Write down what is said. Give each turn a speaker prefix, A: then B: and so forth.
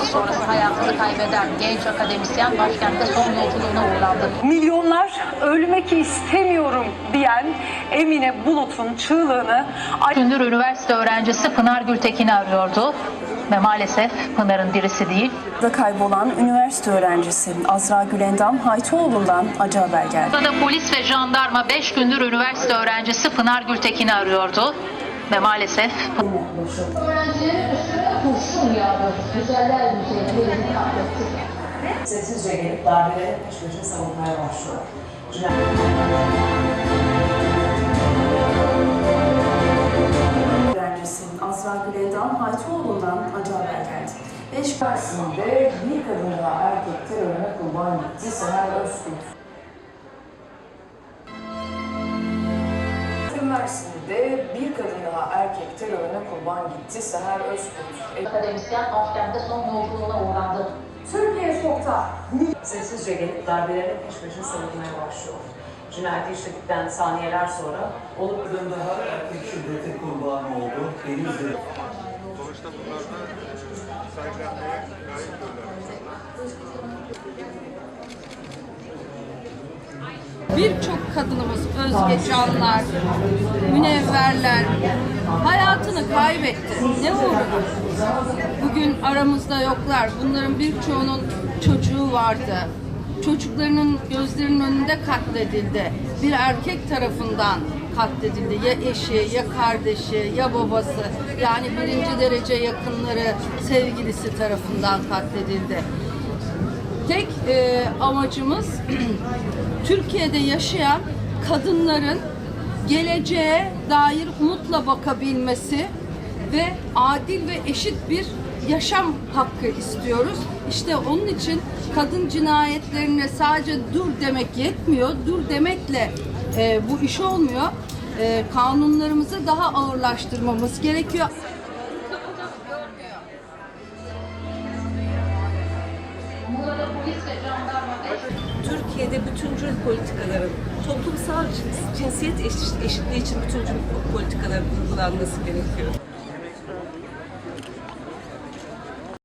A: sonrası hayatını kaybeden genç akademisyen başkentte son yolculuğuna uğurlandı.
B: Milyonlar ölmek istemiyorum diyen Emine Bulut'un çığlığını...
A: Gündür üniversite öğrencisi Pınar Gültekin'i arıyordu ve maalesef Pınar'ın dirisi değil.
B: Kaybolan üniversite öğrencisi Azra Gülendam Haytoğlu'ndan acı haber geldi.
A: Burada da polis ve jandarma 5 gündür üniversite öğrencisi Pınar Gültekin'i arıyordu ve maalesef
C: Öğrencilerin üstüne kurşun yağdı. Güzeller güzeli yerini katletti.
D: Sessizce gelip darbelerin peş peşe savunmaya başlıyor.
B: Öğrencisi Azra Gülendam Haytoğlu'ndan acı haber geldi.
D: Mersin'de bir kadın daha erkek terörüne kurban gitti. Seher Özkurt. Mersin'de bir kadın daha erkek terörüne kurban gitti. Seher Özkurt.
A: akademisyen başkentte son yolculuğuna uğurlandı.
D: Türkiye sokta. Sessizce gelip darbelerin peş peşe savunmaya başlıyor. Cinayeti işledikten saniyeler sonra olup
E: kadın daha erkek şiddete kurban oldu. Denizli.
F: Sonuçta bunlar da sahiplenmeye layıktırlar.
G: Birçok kadınımız, Özge Canlar, Münevverler hayatını kaybetti. Ne uğruna? Bugün aramızda yoklar. Bunların birçoğunun çocuğu vardı. Çocuklarının gözlerinin önünde katledildi. Bir erkek tarafından katledildi. Ya eşi, ya kardeşi, ya babası. Yani birinci derece yakınları, sevgilisi tarafından katledildi. Tek amacımız Türkiye'de yaşayan kadınların geleceğe dair umutla bakabilmesi ve adil ve eşit bir yaşam hakkı istiyoruz. İşte onun için kadın cinayetlerine sadece dur demek yetmiyor. Dur demekle bu iş olmuyor. Kanunlarımızı daha ağırlaştırmamız gerekiyor.
H: Türkiye'de bütüncül politikaların, toplumsal cinsiyet eşitliği için bütüncül politikaların uygulanması gerekiyor.